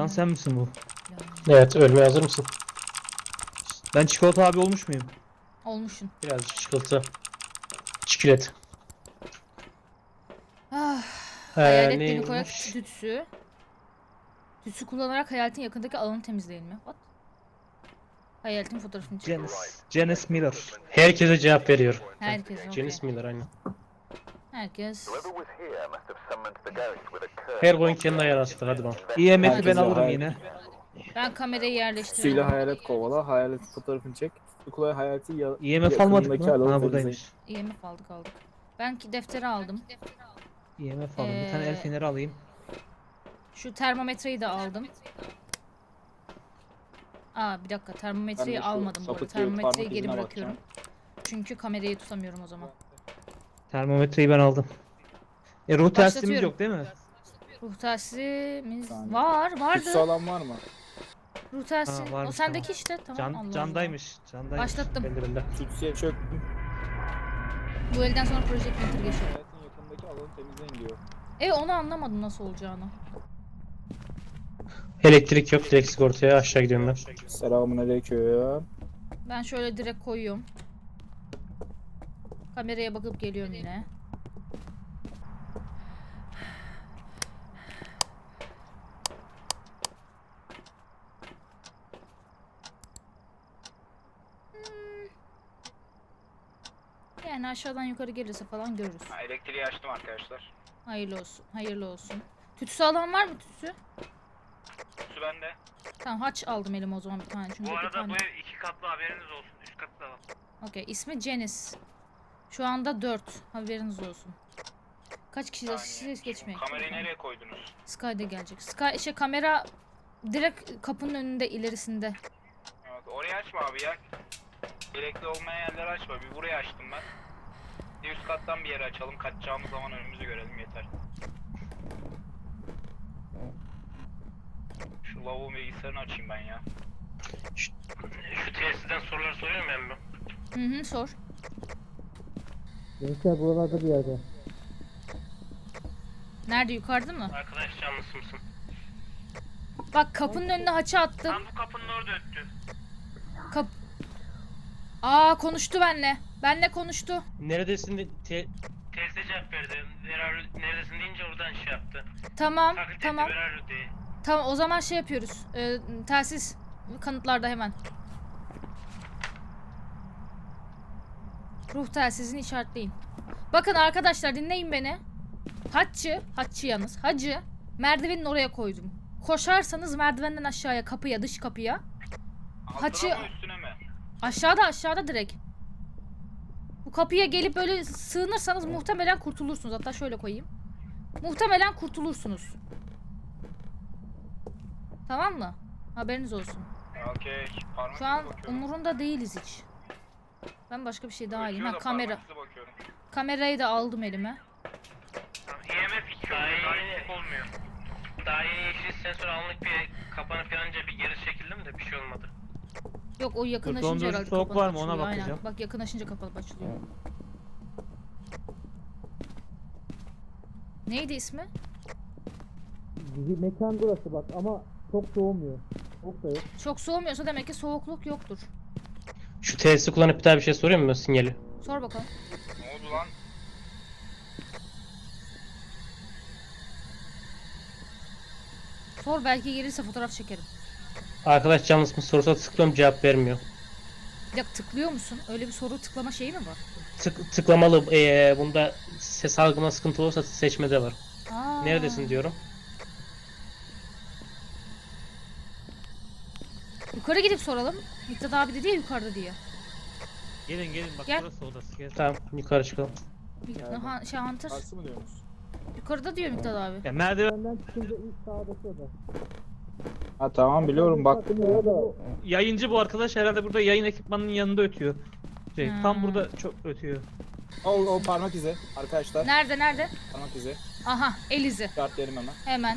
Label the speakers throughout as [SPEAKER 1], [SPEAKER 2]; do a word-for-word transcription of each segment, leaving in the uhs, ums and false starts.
[SPEAKER 1] Can sen misin bu?
[SPEAKER 2] Evet, ölmeye hazır mısın?
[SPEAKER 1] Ben çikolata abi olmuş muyum?
[SPEAKER 3] Olmuşsun.
[SPEAKER 2] Birazcık çikolata. Çikolat.
[SPEAKER 3] Ah,
[SPEAKER 2] Ee,
[SPEAKER 3] hayalet beni koyak
[SPEAKER 2] neymiş?
[SPEAKER 3] tütsü. Tütsü kullanarak hayaletin yakındaki alanı temizleyin mi? What? Hayaletin fotoğrafını çek.
[SPEAKER 1] Janice. Janice Miller.
[SPEAKER 2] Herkese cevap veriyor.
[SPEAKER 3] Herkes okey.
[SPEAKER 2] Janice Miller aynen.
[SPEAKER 3] Herkes.
[SPEAKER 2] Her oyun kendi ayarı astık, hadi bakalım.
[SPEAKER 1] E M F'i ben
[SPEAKER 4] Herkese
[SPEAKER 1] alırım
[SPEAKER 4] hayal-
[SPEAKER 1] yine.
[SPEAKER 3] Ben kamerayı
[SPEAKER 4] Suyla
[SPEAKER 3] yerleştiriyorum.
[SPEAKER 4] hayalet kovala, hayalet fotoğrafını çek. Ukulaya hayaleti ya
[SPEAKER 1] E M F almadık
[SPEAKER 4] yakınındaki
[SPEAKER 1] mı?
[SPEAKER 4] alanı
[SPEAKER 1] Ha
[SPEAKER 4] temizleyin.
[SPEAKER 1] buradaymış.
[SPEAKER 3] E M F aldık aldık. Ben ki defteri aldım.
[SPEAKER 1] E M F aldım. Bir tane el
[SPEAKER 3] Ee,
[SPEAKER 1] feneri alayım.
[SPEAKER 3] Şu termometreyi de aldım. Aa bir dakika, termometreyi
[SPEAKER 4] Ben de şu
[SPEAKER 3] almadım bu arada.
[SPEAKER 4] sapık gibi
[SPEAKER 3] Termometreyi
[SPEAKER 4] parmak
[SPEAKER 3] geri
[SPEAKER 4] izine
[SPEAKER 3] bırakıyorum. Çünkü kamerayı tutamıyorum o zaman.
[SPEAKER 1] Termometreyi ben aldım. E ruh telsizimiz
[SPEAKER 3] Başlatıyorum.
[SPEAKER 1] yok değil mi?
[SPEAKER 3] Ruh telsizimiz
[SPEAKER 4] Saniye.
[SPEAKER 3] var,
[SPEAKER 4] Tütsü
[SPEAKER 3] vardı.
[SPEAKER 4] alan var mı?
[SPEAKER 3] Ruh telsizi.
[SPEAKER 1] Ha,
[SPEAKER 3] O
[SPEAKER 1] varmış,
[SPEAKER 3] sendeki
[SPEAKER 1] tamam.
[SPEAKER 3] işte. Tamam.
[SPEAKER 1] Can,
[SPEAKER 3] Allah Allah.
[SPEAKER 1] candaymış. Candaymış.
[SPEAKER 3] Başlattım.
[SPEAKER 2] Ben de ben de.
[SPEAKER 4] Tütsüye çöktüm.
[SPEAKER 3] Bu elden sonra Project Winter geçiyor.
[SPEAKER 4] Hayaletin yakındaki alanı temizleyin diyor.
[SPEAKER 3] E onu anlamadım nasıl olacağını.
[SPEAKER 2] Elektrik yok, direkt sigortaya aşağı gidiyorum ben.
[SPEAKER 4] Selamünaleyküm.
[SPEAKER 3] Ben şöyle direkt koyuyorum. Kameraya bakıp geliyorum yine. Hmm. Yani aşağıdan yukarı gelirse falan görürüz.
[SPEAKER 5] Ha, elektriği açtım arkadaşlar.
[SPEAKER 3] Hayırlı olsun. Hayırlı olsun. Tütsü alan var mı tütsü?
[SPEAKER 5] Su bende.
[SPEAKER 3] Tamam, haç aldım elime o zaman bir tane. Çünkü
[SPEAKER 5] Bu
[SPEAKER 3] bir
[SPEAKER 5] arada
[SPEAKER 3] tane.
[SPEAKER 5] bu ev iki katlı, haberiniz olsun. Üst katı da var.
[SPEAKER 3] Okey. İsmi Janice. Şu anda dört. Haberiniz olsun. Kaç kişi
[SPEAKER 5] Saniye.
[SPEAKER 3] siz geçmeyin.
[SPEAKER 5] Kamerayı nereye koydunuz?
[SPEAKER 3] Sky de gelecek. Sky şey, kamera direkt kapının önünde, ilerisinde.
[SPEAKER 5] Evet, orayı açma abi ya. Gerekli olmayan yerleri açma. Bir burayı açtım ben. Bir üst kattan bir yere açalım. Kaçacağımız zaman önümüzü görelim yeter. Şu lavuğun bilgisayarını açayım ben ya.
[SPEAKER 2] Şu tesisten sorular soruyorum ben mi?
[SPEAKER 3] Hı hı, sor.
[SPEAKER 1] Gençler buralarda bir yerde.
[SPEAKER 3] Nerede, yukarıda mı?
[SPEAKER 2] Arkadaş canlısı mısın?
[SPEAKER 3] Bak kapının önüne haçı attım.
[SPEAKER 2] Tam bu kapının orada öttü.
[SPEAKER 3] Kap Aa konuştu benle. Benle konuştu.
[SPEAKER 2] Neredesin? de- Te Teste cevap verdi. Where neredesin deyince oradan şey yaptı.
[SPEAKER 3] Tamam,
[SPEAKER 2] Taklit etti,
[SPEAKER 3] tamam.
[SPEAKER 2] where are you diye.
[SPEAKER 3] Tamam, o zaman şey yapıyoruz. Ee, telsiz kanıtlarda hemen. Ruh telsizini işaretleyin. Bakın arkadaşlar, dinleyin beni. Haççı, haççı yalnız. Hacı merdivenin oraya koydum. Koşarsanız merdivenden aşağıya, kapıya, dış kapıya.
[SPEAKER 5] Altına
[SPEAKER 3] Haçı-
[SPEAKER 5] mı üstüne mi?
[SPEAKER 3] Aşağıda, aşağıda direkt. Bu kapıya gelip böyle sığınırsanız muhtemelen kurtulursunuz. Hatta şöyle koyayım. Muhtemelen kurtulursunuz. Tamam mı? Haberiniz olsun.
[SPEAKER 5] Okey. Parmak
[SPEAKER 3] Şu an
[SPEAKER 5] izi bakıyorum.
[SPEAKER 3] umurunda değiliz hiç. Ben başka bir şey daha alayım.
[SPEAKER 5] Ötüyor
[SPEAKER 3] Ha,
[SPEAKER 5] da
[SPEAKER 3] kamera.
[SPEAKER 5] parmak izi bakıyorum.
[SPEAKER 3] Kamerayı da aldım elime.
[SPEAKER 2] E M F iki daha yeni olmuyor. Daha yeni yeşil sensör anlık bir kapanıp yanınca bir geri çekildim de bir şey olmadı.
[SPEAKER 3] Yok, o yakınlaşınca
[SPEAKER 1] dondurucu
[SPEAKER 3] herhalde
[SPEAKER 1] soğuk
[SPEAKER 3] kapalı
[SPEAKER 1] var mı? Ona
[SPEAKER 3] açılıyor. Aynen.
[SPEAKER 1] bakacağım.
[SPEAKER 3] Bak, yakınlaşınca kapalı açılıyor. Neydi ismi?
[SPEAKER 1] Mekan burası bak ama çok soğumuyor. Soğuk da yok.
[SPEAKER 3] Çok soğumuyorsa demek ki soğukluk yoktur.
[SPEAKER 2] Şu tesisi kullanıp bir daha bir şey sorayım mı sinyali?
[SPEAKER 3] Sor bakalım.
[SPEAKER 5] Ne oldu lan?
[SPEAKER 3] Sor, belki gelirse fotoğraf çekerim.
[SPEAKER 2] Arkadaş canlısı mı sorsa tıklıyorum, cevap vermiyor.
[SPEAKER 3] Bir dakika, tıklıyor musun? Öyle bir soru tıklama şeyi mi var?
[SPEAKER 2] Tık, tıklamalı. Ee, bunda ses algıma sıkıntı olursa seçmede var.
[SPEAKER 3] Aa.
[SPEAKER 2] Neredesin diyorum.
[SPEAKER 3] Yukarı gidip soralım. Miktat abi dedi ya yukarıda diye.
[SPEAKER 1] Gelin gelin bak
[SPEAKER 3] Gel.
[SPEAKER 1] burası odası. Gel.
[SPEAKER 2] Tamam, yukarı çıkalım.
[SPEAKER 3] Miktat, ha, şey Hunter.
[SPEAKER 4] Karşı mı diyorsunuz?
[SPEAKER 3] Yukarıda diyor Miktat abi.
[SPEAKER 1] Ya merdivenden çıkınca ilk sağdaki oda.
[SPEAKER 4] Ha tamam biliyorum bak.
[SPEAKER 1] Yayıncı bu arkadaş herhalde burada yayın ekipmanının yanında ötüyor. Şey,
[SPEAKER 3] Hmm.
[SPEAKER 1] tam burada çok ötüyor.
[SPEAKER 4] O, o parmak izi arkadaşlar.
[SPEAKER 3] Nerede, nerede?
[SPEAKER 4] Parmak izi.
[SPEAKER 3] Aha, el izi.
[SPEAKER 4] Şartlayalım hemen.
[SPEAKER 3] Hemen.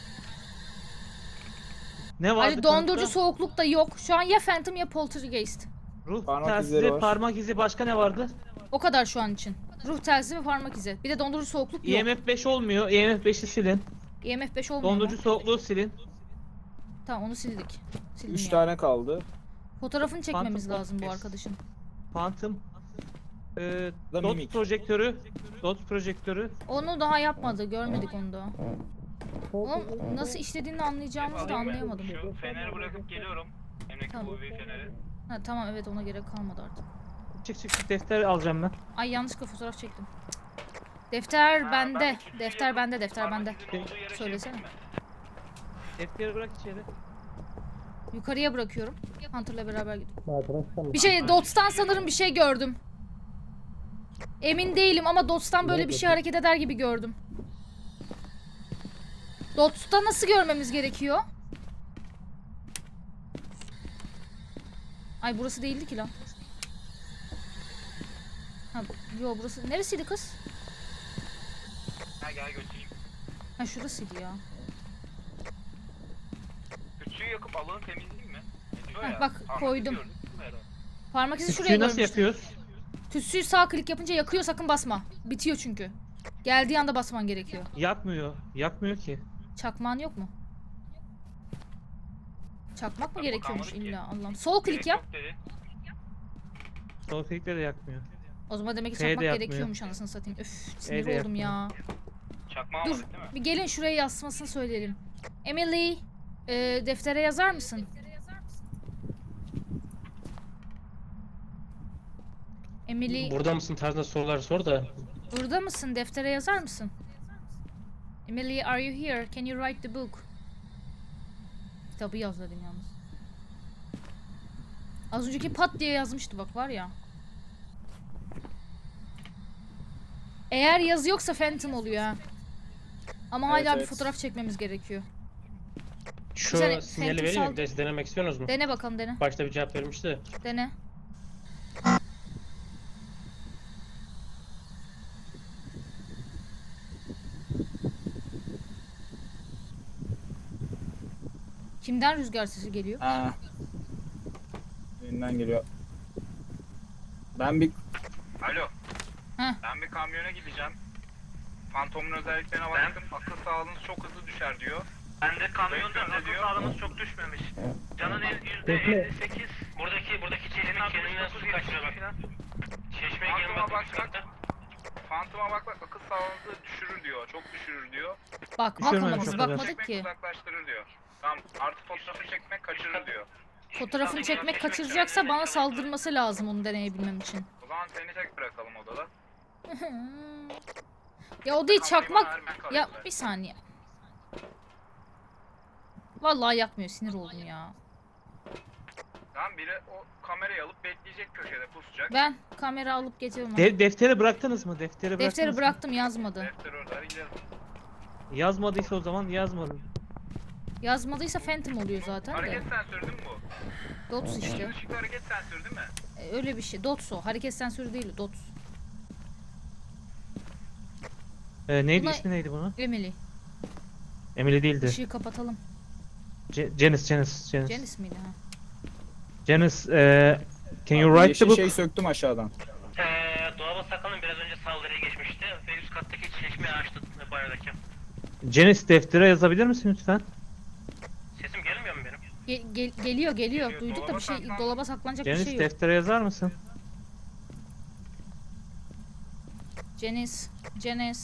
[SPEAKER 1] Ne vardı
[SPEAKER 3] Ali dondurucu
[SPEAKER 1] kanıtta?
[SPEAKER 3] soğukluk da yok. Şu an ya Phantom ya Poltergeist.
[SPEAKER 1] Ruh
[SPEAKER 4] Parmak
[SPEAKER 1] telsizi,
[SPEAKER 4] izleri var.
[SPEAKER 1] parmak izi, başka ne vardı?
[SPEAKER 3] O kadar şu an için. Ruh telsizi ve parmak izi. Bir de dondurucu soğukluk yok.
[SPEAKER 1] E M F beş olmuyor. E M F beşi silin.
[SPEAKER 3] E M F beş olmuyor mu?
[SPEAKER 1] Dondurucu soğukluğu silin.
[SPEAKER 3] Tamam onu sildik. Sildim
[SPEAKER 4] Üç
[SPEAKER 3] ya.
[SPEAKER 4] tane kaldı.
[SPEAKER 3] Fotoğrafını çekmemiz
[SPEAKER 1] Phantom
[SPEAKER 3] lazım bu
[SPEAKER 1] Focus.
[SPEAKER 3] arkadaşın.
[SPEAKER 1] Phantom. Ee,
[SPEAKER 4] Da
[SPEAKER 1] dot
[SPEAKER 4] mimik.
[SPEAKER 1] projektörü. Dot projektörü.
[SPEAKER 3] Onu daha yapmadı. Görmedik onu da. Oğlum nasıl işlediğini anlayacağımızı da
[SPEAKER 5] Alayım mı?
[SPEAKER 3] anlayamadım.
[SPEAKER 5] Şu feneri bırakıp geliyorum. Emlak
[SPEAKER 3] Tamam.
[SPEAKER 5] U V feneri.
[SPEAKER 3] Ha, tamam evet ona gerek kalmadı artık.
[SPEAKER 1] Çık çık çık defter alacağım ben.
[SPEAKER 3] Ay yanlışlıkla fotoğraf çektim. Defter
[SPEAKER 5] Ha,
[SPEAKER 3] bende.
[SPEAKER 5] ben üçüncü
[SPEAKER 3] Defter
[SPEAKER 5] yakın
[SPEAKER 3] bende, defter
[SPEAKER 5] parmak
[SPEAKER 3] bende.
[SPEAKER 5] izinin olduğu yere şey
[SPEAKER 3] Söylesene.
[SPEAKER 5] yapayım mı?
[SPEAKER 1] Defteri bırak içeri.
[SPEAKER 3] Yukarıya bırakıyorum. Hunter'la beraber gidiyorum.
[SPEAKER 6] Arkadaşlar
[SPEAKER 3] Bir şey Dots'tan sanırım bir şey gördüm. Emin değilim ama Dots'tan böyle bir şey hareket eder gibi gördüm. Dots'ta nasıl görmemiz gerekiyor? Ay burası değildi ki lan. Ha, yo burası neresiydi kız?
[SPEAKER 5] Ha gel götüreyim.
[SPEAKER 3] Ha şurasıydı ya.
[SPEAKER 5] Küçüğü yakıp alanı temizleyeyim mi? Ediyor
[SPEAKER 3] Heh,
[SPEAKER 5] ya.
[SPEAKER 3] bak,
[SPEAKER 5] Parmak
[SPEAKER 3] koydum.
[SPEAKER 5] izi gördün mü Eren?
[SPEAKER 3] Parmak izi şuraya
[SPEAKER 1] Suyu nasıl
[SPEAKER 3] görmüştüm.
[SPEAKER 1] yapıyoruz?
[SPEAKER 3] Tütsüyü sağ klik yapınca yakıyor, sakın basma. Bitiyor çünkü. Geldiği anda basman gerekiyor.
[SPEAKER 1] Yakmıyor. Yakmıyor ki.
[SPEAKER 3] Çakmağın yok mu? Çakmak mı
[SPEAKER 5] Bak,
[SPEAKER 3] gerekiyormuş
[SPEAKER 5] kalmadı ki.
[SPEAKER 3] illa Allah'ım. Sol
[SPEAKER 5] Gerek
[SPEAKER 3] klik yap.
[SPEAKER 5] yok dedi.
[SPEAKER 1] Sol klikle de yakmıyor.
[SPEAKER 3] O zaman demek ki
[SPEAKER 1] F de
[SPEAKER 3] çakmak
[SPEAKER 1] yapmıyor.
[SPEAKER 3] gerekiyormuş anasını satayım. Öf sinir
[SPEAKER 1] de
[SPEAKER 3] oldum ya.
[SPEAKER 5] Çakma
[SPEAKER 3] Dur
[SPEAKER 5] almadık değil mi?
[SPEAKER 3] bir gelin şuraya yazmasını söyleyelim. Emily e, deftere yazar mısın? Emily
[SPEAKER 6] burada mısın tarzında sorular sor da.
[SPEAKER 3] burada mısın? Deftere yazar mısın? Emily are you here? Can you write the book? Kitabı yaz dedim yalnız. Az önceki pat diye yazmıştı bak var ya. Eğer yazı yoksa Phantom oluyor ha. Ama
[SPEAKER 4] Evet,
[SPEAKER 3] hala bir
[SPEAKER 4] evet.
[SPEAKER 3] fotoğraf çekmemiz gerekiyor.
[SPEAKER 6] Şu
[SPEAKER 3] Güzel,
[SPEAKER 6] sinyali
[SPEAKER 3] Phantom
[SPEAKER 6] vereyim mi?
[SPEAKER 3] sal-
[SPEAKER 6] Bir de siz denemek istiyorsunuz mu?
[SPEAKER 3] Dene bakalım dene.
[SPEAKER 6] Başta bir cevap vermişti.
[SPEAKER 3] Dene. Kimden rüzgar sesi geliyor?
[SPEAKER 4] Ha. Önünden geliyor. Ben bir
[SPEAKER 5] Alo.
[SPEAKER 3] Heh.
[SPEAKER 5] Ben bir kamyona gideceğim. Fantomun özelliklerine baktım. Akıl sağlığınız çok hızlı düşer diyor. Ben de kamyonda akıl sağlığımız çok düşmemiş. Canın yüzde elli sekiz.
[SPEAKER 2] Buradaki buradaki çeşme kendinden su kaçırıyor bak. Çeşmeye
[SPEAKER 5] Fantom'a
[SPEAKER 2] girmek
[SPEAKER 5] bak
[SPEAKER 2] üst katta.
[SPEAKER 5] Fantom'a bak bak akıl sağlığınızı düşürür diyor. Çok düşürür diyor.
[SPEAKER 3] Bakmak ama
[SPEAKER 1] Düşürmedim
[SPEAKER 3] biz
[SPEAKER 1] çok kadar.
[SPEAKER 3] bakmadık
[SPEAKER 5] Çekmek
[SPEAKER 3] ki.
[SPEAKER 5] uzaklaştırır diyor. Tamam artı fotoğrafı çekmek kaçırır diyor.
[SPEAKER 3] Fotoğrafını çekmek kaçıracaksa bana saldırması lazım onu deneyebilmem için.
[SPEAKER 5] O zaman seni tek bırakalım odada.
[SPEAKER 3] Ya o değil
[SPEAKER 5] Kamerayı bana
[SPEAKER 3] çakmak.
[SPEAKER 5] ver, ben
[SPEAKER 3] Ya
[SPEAKER 5] kalayım
[SPEAKER 3] bir saniye. Vallahi yakmıyor sinir oldum ya.
[SPEAKER 5] Tamam biri o kamerayı alıp bekleyecek köşede pusacak.
[SPEAKER 3] Ben kamera alıp getiriyorum. onu.
[SPEAKER 1] De defteri bıraktınız mı? Defteri bıraktınız
[SPEAKER 3] Defteri
[SPEAKER 1] mı?
[SPEAKER 3] bıraktım yazmadı.
[SPEAKER 5] Defter orada hadi gidelim.
[SPEAKER 1] Yazmadıysa o zaman yazmadım.
[SPEAKER 3] Yazmadıysa Phantom oluyor zaten de.
[SPEAKER 5] Hareket sensörü değil mi bu?
[SPEAKER 3] Dots işte.
[SPEAKER 5] Işıklı hareket sensörü değil mi?
[SPEAKER 3] E, öyle bir şey. Dots o. Hareket sensörü değil Dots.
[SPEAKER 1] Ee, neydi
[SPEAKER 3] Buna-
[SPEAKER 1] ismi neydi bunun?
[SPEAKER 3] Emily.
[SPEAKER 1] Emily değildi.
[SPEAKER 3] Işığı kapatalım.
[SPEAKER 1] Ce Janice, Janice, Janice.
[SPEAKER 3] Janice miydi ha?
[SPEAKER 1] Janice, e, can you
[SPEAKER 4] Abi
[SPEAKER 1] write
[SPEAKER 4] yeşil
[SPEAKER 1] the book?
[SPEAKER 4] şey söktüm aşağıdan.
[SPEAKER 2] Ee, dolaba sakalın biraz önce saldırıya geçmişti ve üst kattaki çeşmeyi açtı banyodaki.
[SPEAKER 1] Janice deftere yazabilir misin lütfen?
[SPEAKER 2] Sesim gelmiyor mu benim?
[SPEAKER 3] Ge- gel- geliyor geliyor.
[SPEAKER 5] Geliyor,
[SPEAKER 3] Duyduk da
[SPEAKER 5] dolaba
[SPEAKER 3] bir şey
[SPEAKER 5] saklan.
[SPEAKER 3] dolaba saklanacak bir
[SPEAKER 1] Janice
[SPEAKER 3] şey yok.
[SPEAKER 1] deftere yazar mısın?
[SPEAKER 3] Janice. Janice.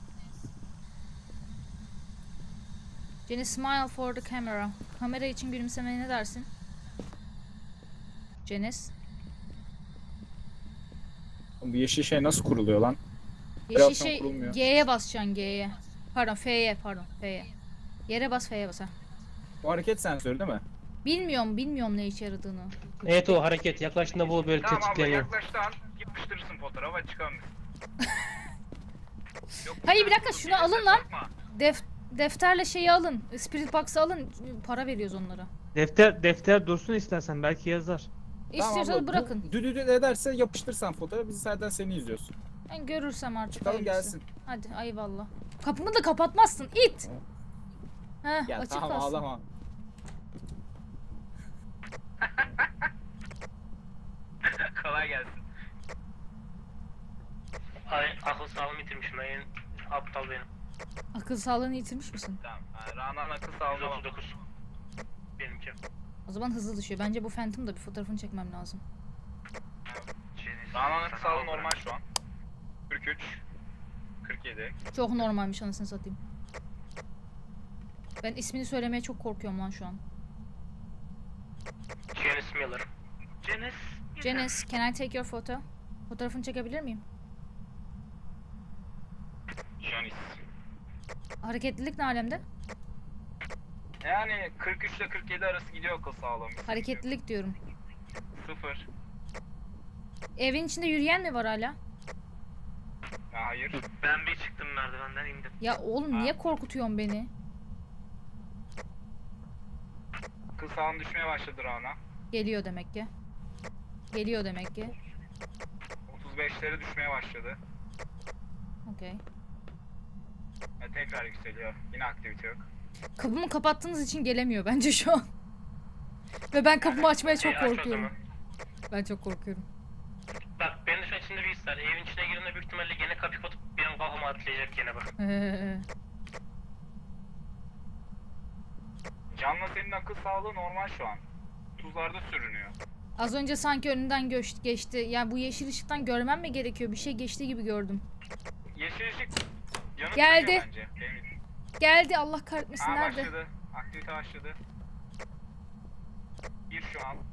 [SPEAKER 3] Janice smile for the camera. Kamera için gülümsemeye ne dersin? Janice.
[SPEAKER 4] Bu yeşil şey nasıl kuruluyor lan?
[SPEAKER 3] Yeşil
[SPEAKER 4] Biraz
[SPEAKER 3] şey
[SPEAKER 4] kurulmuyor.
[SPEAKER 3] G'ye basacaksın G'ye. Pardon F'ye pardon F'ye. Yere bas F'ye bas ha.
[SPEAKER 4] Bu hareket sensörü değil mi?
[SPEAKER 3] Bilmiyorum bilmiyorum ne işe yaradığını.
[SPEAKER 6] Evet o hareket yaklaştığında bu böyle
[SPEAKER 5] Tamam abla
[SPEAKER 6] tetikleniyor.
[SPEAKER 5] yaklaştığı an yapıştırırsın fotoğrafı hadi çıkalım biz. Yok,
[SPEAKER 3] Hayır, bir dakika,
[SPEAKER 5] dur,
[SPEAKER 3] şunu
[SPEAKER 5] bir
[SPEAKER 3] alın
[SPEAKER 5] ses
[SPEAKER 3] lan.
[SPEAKER 5] yapma.
[SPEAKER 3] Def defterle şeyi alın. Spirit Box'ı alın. Para veriyoruz onlara.
[SPEAKER 1] Defter defter dursun istersen belki yazar.
[SPEAKER 3] İstiyorsanız
[SPEAKER 4] abla, bu
[SPEAKER 3] bırakın.
[SPEAKER 4] Düdüdü ederse yapıştırsan fotoğrafı biz zaten seni izliyoruz.
[SPEAKER 3] Ben görürsem artık.
[SPEAKER 4] Çıkalım
[SPEAKER 3] hayırlısı.
[SPEAKER 4] gelsin.
[SPEAKER 3] Hadi eyvallah. Kapımı da kapatmazsın it. Heh
[SPEAKER 4] Ya
[SPEAKER 3] açık
[SPEAKER 4] tamam
[SPEAKER 3] kalsın.
[SPEAKER 4] ağlama.
[SPEAKER 5] Kolay gelsin.
[SPEAKER 2] Ay, akıl sağlığımı yitirmişim ben. En aptal benim.
[SPEAKER 3] Akıl sağlığını yitirmiş misin?
[SPEAKER 5] Tamam. Ha, Rana'nın akıl sağlığına bak.
[SPEAKER 2] yüz otuz dokuz.
[SPEAKER 3] O zaman hızlı düşüyor. Bence bu Phantom da bir fotoğrafını çekmem lazım.
[SPEAKER 5] Rana'nın akıl sağlığı normal şu an. kırk üç. kırk yedi.
[SPEAKER 3] Çok normalmiş anasını satayım. Ben ismini söylemeye çok korkuyorum lan şu an.
[SPEAKER 2] Janice Miller. Janice.
[SPEAKER 3] Janice, can I take your photo? Fotoğrafını çekebilir miyim?
[SPEAKER 5] Janice.
[SPEAKER 3] Hareketlilik ne alemde?
[SPEAKER 5] Yani kırk üç ile kırk yedi arası gidiyor akıl sağlığım.
[SPEAKER 3] Hareketlilik diyorum.
[SPEAKER 5] Sıfır.
[SPEAKER 3] Evin içinde yürüyen mi var hala?
[SPEAKER 5] Ya hayır.
[SPEAKER 2] Ben bir çıktım merdivenden indim.
[SPEAKER 3] Ya oğlum niye korkutuyorsun beni?
[SPEAKER 5] Akıl sağlığın düşmeye başladı Rana.
[SPEAKER 3] Geliyor demek ki. Geliyor demek ki.
[SPEAKER 5] otuz beşlere düşmeye başladı.
[SPEAKER 3] Okey.
[SPEAKER 5] Ve tekrar yükseliyor. Yine aktivite yok.
[SPEAKER 3] Kapımı kapattığınız için gelemiyor bence şu an. Ve ben kapımı açmaya çok
[SPEAKER 2] Şey, aç o
[SPEAKER 3] korkuyorum.
[SPEAKER 2] zaman.
[SPEAKER 3] Ben çok korkuyorum.
[SPEAKER 2] Bak benim de şu an içinde bir his var. Evin içine girdiğinde büyük ihtimalle gene kapıyı kapatıp bir an kafama atlayacak gene bak.
[SPEAKER 5] Can'la senin akıl sağlığı normal şu an. Tuzlarda sürünüyor.
[SPEAKER 3] Az önce sanki önünden göç, geçti. Ya bu yeşil ışıktan görmem mi gerekiyor? Bir şey geçti gibi gördüm.
[SPEAKER 5] Yeşil ışık yanıp
[SPEAKER 3] Geldi.
[SPEAKER 5] sönüyor bence. Emin.
[SPEAKER 3] Geldi Allah kahretmesin
[SPEAKER 5] Aa,
[SPEAKER 3] nerede?
[SPEAKER 5] başladı. Aktivite başladı. Bir şu an.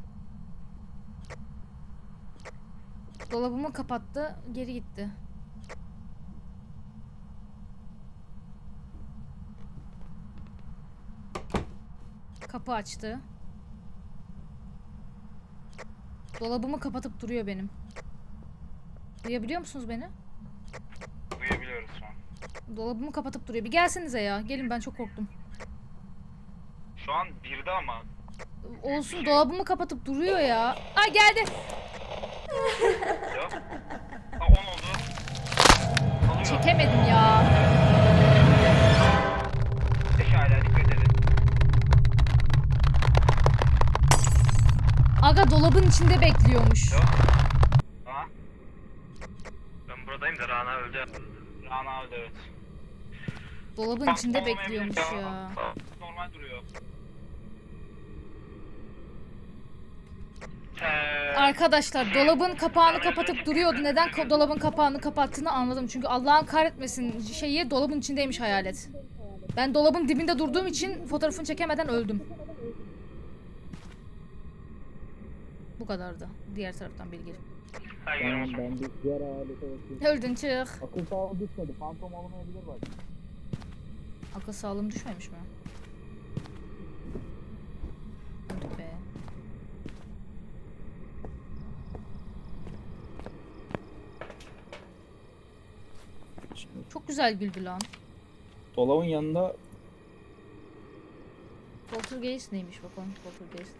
[SPEAKER 3] Dolabımı kapattı, geri gitti. Kapı açtı. Dolabımı kapatıp duruyor benim. Duyabiliyor musunuz beni?
[SPEAKER 5] Duyabiliyoruz şu an.
[SPEAKER 3] Dolabımı kapatıp duruyor. Bir gelsenize ya. Gelin ben çok korktum.
[SPEAKER 5] Şu an birde ama.
[SPEAKER 3] Olsun dolabımı kapatıp duruyor ya. Ay geldi.
[SPEAKER 5] Yok. Ha on oldu. Alıyor.
[SPEAKER 3] Çekemedim ya.
[SPEAKER 5] Beş hala dikkat edin.
[SPEAKER 3] Aga dolabın içinde bekliyormuş.
[SPEAKER 5] Yok. Ha?
[SPEAKER 2] Ben buradayım da Rana öldü.
[SPEAKER 5] Rana öldü evet.
[SPEAKER 3] Dolabın içinde
[SPEAKER 5] Olmayabilir
[SPEAKER 3] bekliyormuş ya.
[SPEAKER 5] Normal duruyor.
[SPEAKER 2] Eee...
[SPEAKER 3] Arkadaşlar dolabın kapağını kapatıp duruyordu. Neden ka- dolabın kapağını kapattığını anladım. Çünkü Allah'ın kahretmesin şeyi dolabın içindeymiş hayalet. Ben dolabın dibinde durduğum için fotoğrafını çekemeden öldüm. Bu kadardı. Diğer taraftan bilgi.
[SPEAKER 2] Hayır görmüyorum.
[SPEAKER 4] Ben bir diğer hayalete bakayım.
[SPEAKER 3] Öldün çık.
[SPEAKER 4] Akıl sağlığı düşmedi. Fantom olamayabilir bak.
[SPEAKER 3] Akıl sağlığım düşmemiş mi? Öldük be.
[SPEAKER 4] Şimdi
[SPEAKER 3] Çok güzel güldü lan.
[SPEAKER 4] dolabın yanında
[SPEAKER 3] Poltergeist neymiş bakalım Poltergeist.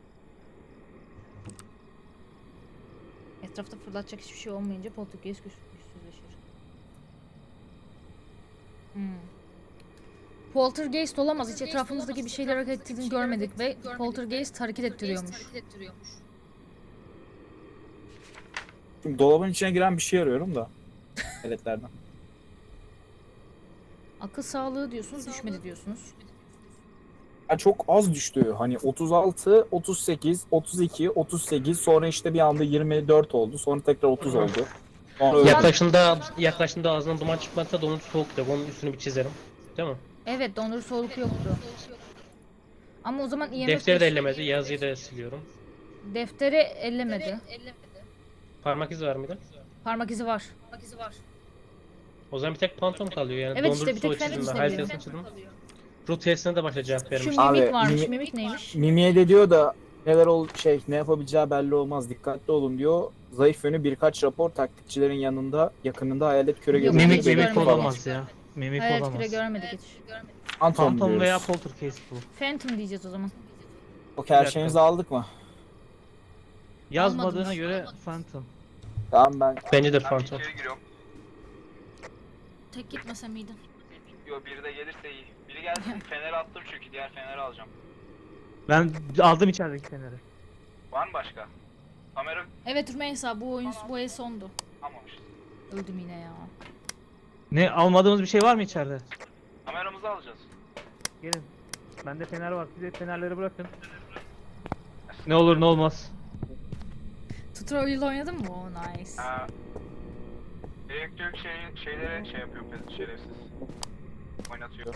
[SPEAKER 3] Etrafta fırlatacak hiçbir şey olmayınca Poltergeist güç, güçsüzleşir. Hmm. Poltergeist olamaz. Hiç etrafımızdaki bir şeyler hareket ettiğini görmedik ve Poltergeist hareket ettiriyormuş.
[SPEAKER 4] şimdi dolabın içine giren bir şey arıyorum da. Eletlerden.
[SPEAKER 3] Akıl sağlığı diyorsunuz, düşmedi diyorsunuz.
[SPEAKER 4] Ya çok az düştü. Hani otuz altı, otuz sekiz, otuz iki, otuz sekiz sonra işte bir anda yirmi dört oldu. Sonra tekrar otuz oldu. Sonra öyle.
[SPEAKER 6] Yaklaşında yaklaşında ağzından duman çıkmazsa donut soğuk da bunun üstünü bir çizerim. Değil mi?
[SPEAKER 3] Evet, dondurucu soğuk yoktu. Ama o zaman I M F
[SPEAKER 6] Defteri de ellemedi, yazıyı da siliyorum.
[SPEAKER 3] Defteri ellemedi.
[SPEAKER 6] Parmak izi var mıydı?
[SPEAKER 3] Parmak izi var.
[SPEAKER 6] O zaman bir tek pantom kalıyor yani.
[SPEAKER 3] Evet işte,
[SPEAKER 6] dondurucu
[SPEAKER 3] bir tek
[SPEAKER 6] soğuk
[SPEAKER 3] Phantom
[SPEAKER 6] çizdim ben.
[SPEAKER 3] işte
[SPEAKER 6] Hayal testini çizdim. Root testine de başta cevap
[SPEAKER 3] Şu
[SPEAKER 6] vermiş.
[SPEAKER 4] Abi,
[SPEAKER 3] mimik varmış.
[SPEAKER 4] mimi-
[SPEAKER 3] Mimik neymiş?
[SPEAKER 4] Mimi'ye de diyor da neler ol şey ne yapabileceği belli olmaz. Dikkatli olun diyor. Zayıf yönü birkaç rapor taktikçilerin yanında yakınında hayalet köre
[SPEAKER 3] Yok,
[SPEAKER 4] gözüküyor.
[SPEAKER 3] hiç
[SPEAKER 1] Mimik mimik
[SPEAKER 3] görmedim.
[SPEAKER 1] olamaz ya. Mimik
[SPEAKER 3] Hayal
[SPEAKER 1] olamaz.
[SPEAKER 3] küre görmedik hiç.
[SPEAKER 4] Phantom,
[SPEAKER 1] Phantom
[SPEAKER 4] diyoruz.
[SPEAKER 1] veya Poltergeist bu.
[SPEAKER 3] Phantom diyeceğiz o zaman.
[SPEAKER 4] Okey her şeyinizi aldık mı?
[SPEAKER 1] Yazmadığına
[SPEAKER 3] Almadınız.
[SPEAKER 1] göre Phantom.
[SPEAKER 4] Tamam ben
[SPEAKER 6] Bence de
[SPEAKER 5] Ben bir
[SPEAKER 6] pantom.
[SPEAKER 5] içeri giriyorum.
[SPEAKER 3] Tek gitmese miydin?
[SPEAKER 5] Yo biri de gelirse iyi. Biri gelsin feneri attım çünkü diğer feneri alacağım.
[SPEAKER 1] Ben aldım içerideki feneri.
[SPEAKER 5] Var mı başka? Kamera
[SPEAKER 3] Evet Rümeysa bu oyun bu el sondu.
[SPEAKER 5] almamışız.
[SPEAKER 3] Öldüm yine ya.
[SPEAKER 1] Ne almadığımız bir şey var mı içeride?
[SPEAKER 5] Kameramızı alacağız.
[SPEAKER 1] Gelin. Bende fener var. Siz de fenerleri bırakın. Ne olur ne olmaz.
[SPEAKER 3] Tutorial oynadın mı? Oh nice.
[SPEAKER 5] Ha, elektrik şey, şeylere şey yapıyor pes- şerefsiz. Oynatıyor.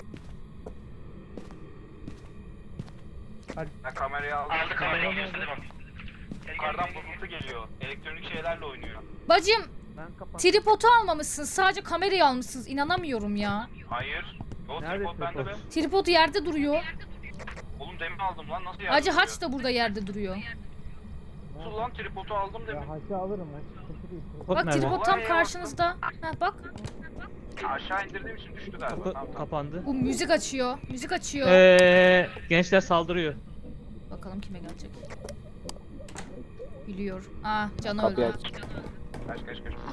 [SPEAKER 1] Hadi.
[SPEAKER 5] Ha, kamerayı aldı.
[SPEAKER 2] Aldı kamerayı gösterdi bak.
[SPEAKER 5] Yukarıdan bozultu geliyor. Elektronik şeylerle oynuyor.
[SPEAKER 3] Bacım
[SPEAKER 1] Ben kapat.
[SPEAKER 3] tripodu almamışsın. Sadece kamerayı almışsınız. İnanamıyorum ya.
[SPEAKER 5] Hayır. O
[SPEAKER 1] Nerede
[SPEAKER 5] tripod bende be.
[SPEAKER 1] tripod?
[SPEAKER 3] Tripod yerde duruyor.
[SPEAKER 5] Oğlum demin aldım lan, nasıl yerde
[SPEAKER 3] Hacı
[SPEAKER 5] duruyor?
[SPEAKER 3] haç da burada yerde duruyor.
[SPEAKER 5] Nasıl lan, tripodu aldım demin.
[SPEAKER 1] Tripod
[SPEAKER 3] Bak
[SPEAKER 1] nerede?
[SPEAKER 3] tripod tam
[SPEAKER 5] Vallahi
[SPEAKER 3] karşınızda. Ha bak.
[SPEAKER 5] Aşağı indirdiğim için düştü galiba.
[SPEAKER 1] Kapı
[SPEAKER 5] Tamam, tamam.
[SPEAKER 1] kapandı.
[SPEAKER 3] Bu müzik açıyor. Müzik açıyor.
[SPEAKER 1] Eee gençler saldırıyor.
[SPEAKER 3] Bakalım kime gelecek. Biliyor. Aa canı
[SPEAKER 4] Kapıyı
[SPEAKER 3] öldü.
[SPEAKER 4] aç.
[SPEAKER 5] Kaç kaç kaç.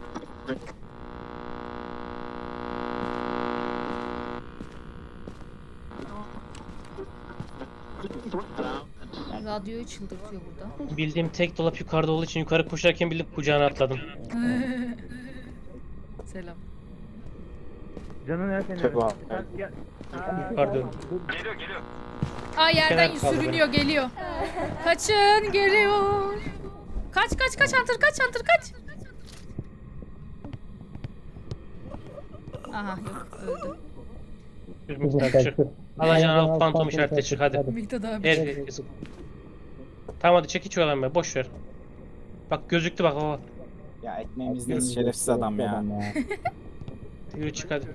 [SPEAKER 3] Radyoyu çıldırtıyor burada.
[SPEAKER 6] Bildiğim tek dolap yukarıda olduğu için yukarı koşarken bilip kucağına atladım.
[SPEAKER 3] Selam.
[SPEAKER 1] Canın el feneri.
[SPEAKER 4] Çok var.
[SPEAKER 1] Sen gel.
[SPEAKER 6] Pardon.
[SPEAKER 5] Geliyor geliyor.
[SPEAKER 3] Aa yerden
[SPEAKER 6] Kenar kaldı
[SPEAKER 3] sürünüyor geliyor. Kaçın geliyor. Kaç kaç kaç Hunter kaç Hunter kaç. Aha yok öldü.
[SPEAKER 6] Bir miktar düşür. Alacağın al fantom işaretle çık hadi.
[SPEAKER 3] Miktat abi.
[SPEAKER 6] Herkes. Tamam hadi çek hiç oyalanma boş ver. Bak gözüktü bak baba.
[SPEAKER 4] Ya ekmeğimizdeyiz şerefsiz adam ya.
[SPEAKER 6] Yürü çık hadi.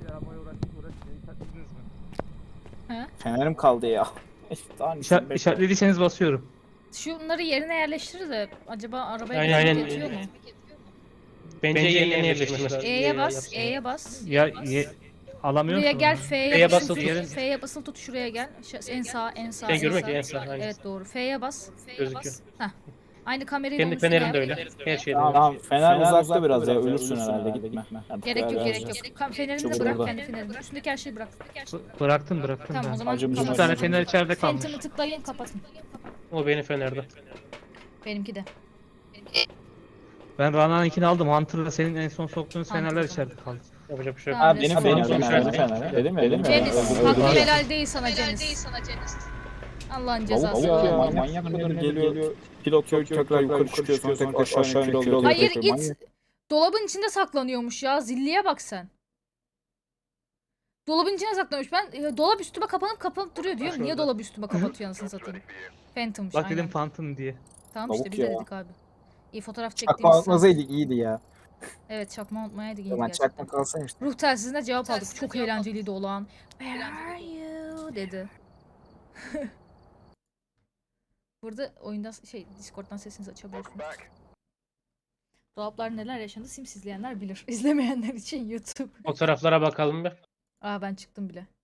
[SPEAKER 4] Fenerim kaldı ya. Daha
[SPEAKER 1] İşaret,
[SPEAKER 4] bekle.
[SPEAKER 1] işaretlediyseniz basıyorum.
[SPEAKER 3] Şunları yerine yerleştirir de acaba arabaya
[SPEAKER 6] Aynen,
[SPEAKER 3] aynen,
[SPEAKER 6] aynen.
[SPEAKER 3] yetiyor mu?
[SPEAKER 6] Bence
[SPEAKER 1] Bence
[SPEAKER 6] yerine
[SPEAKER 1] yerine
[SPEAKER 6] yerleştirmesi.
[SPEAKER 3] E'ye bas, E'ye bas.
[SPEAKER 1] Ya ye, alamıyor
[SPEAKER 3] Buraya
[SPEAKER 1] musun
[SPEAKER 3] gel,
[SPEAKER 1] onu?
[SPEAKER 3] F'ye
[SPEAKER 6] F'ye
[SPEAKER 3] basılı
[SPEAKER 6] basılı
[SPEAKER 3] tut.
[SPEAKER 6] tut.
[SPEAKER 3] F'ye basılı tut şuraya gel. Şu- En sağ, en sağ,
[SPEAKER 6] Şey
[SPEAKER 3] en
[SPEAKER 6] görmek
[SPEAKER 3] sağ.
[SPEAKER 6] ya en sağ. aynen.
[SPEAKER 3] Evet doğru. F'ye bas.
[SPEAKER 6] Gözüküyor.
[SPEAKER 3] Aynı kamerayı da onun
[SPEAKER 6] Kendi
[SPEAKER 3] üstüne
[SPEAKER 6] fenerim de
[SPEAKER 3] yap.
[SPEAKER 6] öyle. Her şeyde
[SPEAKER 4] Tamam,
[SPEAKER 6] öyle.
[SPEAKER 4] tamam. Fener, uzakta, biraz ya ölürsün herhalde gitme. Hadi
[SPEAKER 3] Gerek yok,
[SPEAKER 4] biraz
[SPEAKER 3] gerek
[SPEAKER 4] ya.
[SPEAKER 3] yok. Kam- Fenerini de
[SPEAKER 4] Çabuk
[SPEAKER 3] bırak,
[SPEAKER 4] burada.
[SPEAKER 3] kendi fenerini. Üstündeki her şeyi bırak.
[SPEAKER 1] B- Bıraktım bıraktım
[SPEAKER 3] Tamam o
[SPEAKER 1] ben.
[SPEAKER 3] zaman
[SPEAKER 4] Acımız
[SPEAKER 1] İki
[SPEAKER 4] acımız.
[SPEAKER 1] tane
[SPEAKER 3] kapatın.
[SPEAKER 1] fener içeride kalmış.
[SPEAKER 3] Phantom'ı tıklayın, kapatın.
[SPEAKER 6] O benim fenerde.
[SPEAKER 3] Benimki de.
[SPEAKER 1] Ben Rana'nınkini aldım. Hunter'la senin en son soktuğun fenerler
[SPEAKER 3] Hunter'da.
[SPEAKER 1] içeride kaldı.
[SPEAKER 6] Yapacak bir şey yok.
[SPEAKER 3] Tamam,
[SPEAKER 4] Ha benim
[SPEAKER 3] Tamam,
[SPEAKER 4] fenerim,
[SPEAKER 6] tamam.
[SPEAKER 4] benim fenerim. Dedim mi? Dedim mi?
[SPEAKER 3] Cenis,
[SPEAKER 4] Öldü,
[SPEAKER 3] hakkı
[SPEAKER 4] öldü.
[SPEAKER 3] helal değil sana Cenis. Allah'ın cezası.
[SPEAKER 4] Tavuk ya, manyak mıdır geliyor. Pilot yok, tekrar yukarı çıkıyor, sonra tekrar aşağı iniyor, kilo alıyor.
[SPEAKER 3] Hayır
[SPEAKER 4] tekrar
[SPEAKER 3] it dolabın içinde saklanıyormuş ya. Zilliye bak sen. Dolabın içine saklanmış. Ben e, dolap üstüme kapanıp kapanıp duruyor diyorum. Niye dolabı üstüme kapatıyor anasını satayım. Phantom'mış
[SPEAKER 1] Bak
[SPEAKER 3] aynen.
[SPEAKER 1] dedim Phantom diye.
[SPEAKER 3] Tamam işte
[SPEAKER 4] Tavuk
[SPEAKER 3] biz de
[SPEAKER 4] ya.
[SPEAKER 3] dedik abi. İyi fotoğraf
[SPEAKER 4] Çakma
[SPEAKER 3] çektiğimiz
[SPEAKER 4] atmasaydık iyiydi ya.
[SPEAKER 3] Evet çakma unutmayaydık iyiydi
[SPEAKER 4] Ben
[SPEAKER 3] gerçekten.
[SPEAKER 4] çakma kalsaymış.
[SPEAKER 3] Ruh telsizine cevap aldık. Çok eğlenceliydi olan. Where are you dedi. Burada oyunda şey Discord'dan sesinizi açabiliyorsunuz. Dolaplar neler yaşandı Sims izleyenler bilir. İzlemeyenler için YouTube.
[SPEAKER 6] Fotoğraflara bakalım bir.
[SPEAKER 3] Aa ben çıktım bile.